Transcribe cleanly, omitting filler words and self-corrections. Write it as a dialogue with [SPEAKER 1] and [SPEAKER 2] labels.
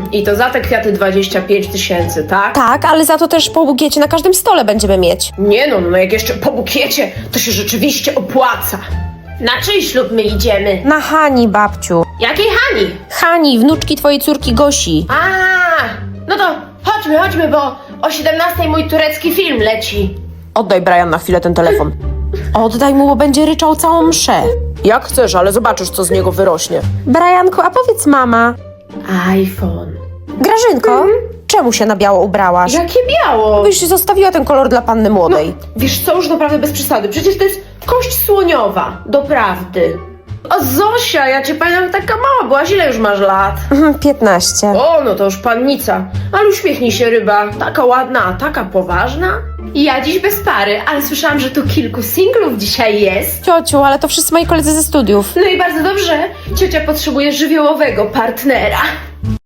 [SPEAKER 1] I to za te kwiaty 25 000, tak?
[SPEAKER 2] Tak, ale za to też po bukiecie na każdym stole będziemy mieć.
[SPEAKER 1] Nie no, jak jeszcze po bukiecie, to się rzeczywiście opłaca. Na czyj ślub my idziemy?
[SPEAKER 2] Na Hani, babciu.
[SPEAKER 1] Jakiej Hani?
[SPEAKER 2] Hani, wnuczki twojej córki Gosi.
[SPEAKER 1] No to chodźmy, bo o 17 mój turecki film leci.
[SPEAKER 2] Oddaj, Brian, na chwilę ten telefon. Oddaj mu, bo będzie ryczał całą mszę. Jak chcesz, ale zobaczysz, co z niego wyrośnie. Brianku, a powiedz mama.
[SPEAKER 1] iPhone.
[SPEAKER 2] Grażynko, czemu się na biało ubrałaś?
[SPEAKER 1] Jakie biało?
[SPEAKER 2] Byś zostawiła ten kolor dla panny młodej.
[SPEAKER 1] Wiesz co, już naprawdę bez przesady. Przecież to jest kość słoniowa. Doprawdy. O Zosia, ja cię pamiętam, taka mała byłaś. Ile już masz lat?
[SPEAKER 2] 15.
[SPEAKER 1] O, no to już pannica. Ale uśmiechnij się, ryba. Taka ładna, a taka poważna. Ja dziś bez pary, ale słyszałam, że tu kilku singlów dzisiaj jest.
[SPEAKER 2] Ciociu, ale to wszyscy moi koledzy ze studiów.
[SPEAKER 1] No i bardzo dobrze. Ciocia potrzebuje żywiołowego partnera.